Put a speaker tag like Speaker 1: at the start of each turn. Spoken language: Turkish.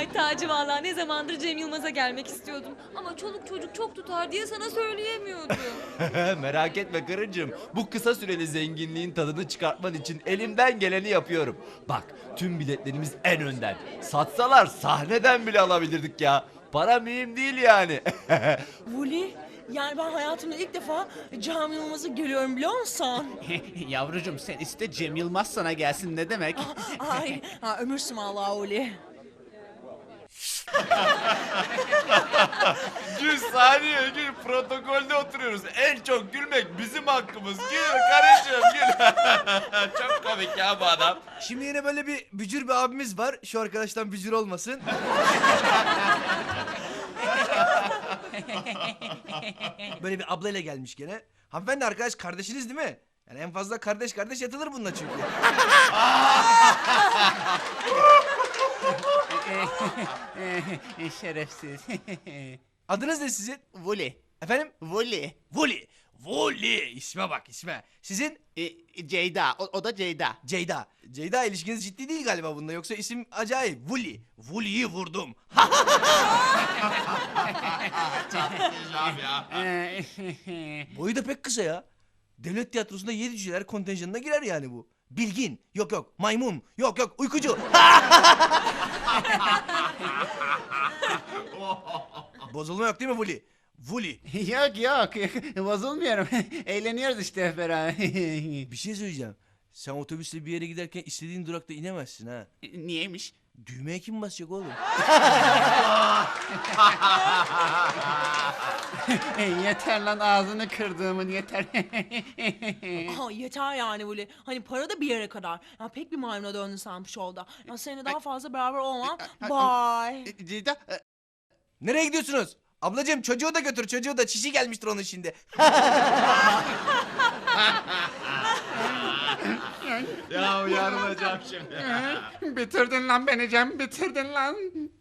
Speaker 1: Ay Taci vallahi ne zamandır Cem Yılmaz'a gelmek istiyordum. Ama çoluk çocuk çok tutar diye sana söyleyemiyordum.
Speaker 2: Merak etme karıcığım. Bu kısa süreli zenginliğin tadını çıkartman için elimden geleni yapıyorum. Bak tüm biletlerimiz en önden. Satsalar sahneden bile alabilirdik ya. Para mühim değil yani.
Speaker 3: Vuli, yani ben hayatımda ilk defa Cem Yılmaz'ı görüyorum biliyor musun?
Speaker 4: Yavrucuğum sen iste Cem Yılmaz sana gelsin ne demek?
Speaker 3: Ay, ömürsün Allah Vuli.
Speaker 2: Gül saniye gül, protokolde oturuyoruz. En çok gülmek bizim hakkımız. Gül karıcığım gül. Çok komik ya bu adam.
Speaker 5: Şimdi yine böyle bir bücür bir abimiz var. Şu arkadaştan bücür olmasın. Böyle bir ablayla gelmiş gene. Hanımefendi arkadaş kardeşiniz değil mi? Yani en fazla kardeş kardeş yatılır bununla çünkü.
Speaker 4: Şerefsiz.
Speaker 5: Adınız ne sizin?
Speaker 4: Vuli.
Speaker 5: Efendim?
Speaker 4: Vuli.
Speaker 5: Vuli. Vuli. İsme bak isme. Sizin?
Speaker 4: Ceyda. O da Ceyda.
Speaker 5: Ceyda. Ceyda ilişkiniz ciddi değil galiba bunda. Yoksa isim acayip. Vuli. Vuli'yi vurdum. Boyu da pek kısa ya. Devlet tiyatrosunda 7 cüceler kontenjanına girer yani bu. Bilgin. Yok yok. Maymun. Yok yok. Uykucu. Bozulma yok değil mi Vuli? Vuli.
Speaker 4: Yok yok. Bozulmuyorum. Eğleniyoruz işte hep beraber.
Speaker 5: Bir şey söyleyeceğim. Sen otobüsle bir yere giderken istediğin durakta inemezsin ha.
Speaker 4: Niyeymiş?
Speaker 5: Düğmeye kim basacak oğlum?
Speaker 4: Yeter lan ağzını kırdığımın yeter.
Speaker 3: Aha, yeter yani Vuli. Hani para da bir yere kadar. Ya pek bir maymuna döndün sen bu şovda. Ya seninle daha fazla beraber olmam. Bye.
Speaker 4: Ceyda.
Speaker 5: Nereye gidiyorsunuz? Ablacığım çocuğu da götür. Çocuğu da çişi gelmiştir onun şimdi.
Speaker 2: Ya yarılacağım şimdi.
Speaker 4: Bitirdin lan beni Cem. Bitirdin lan.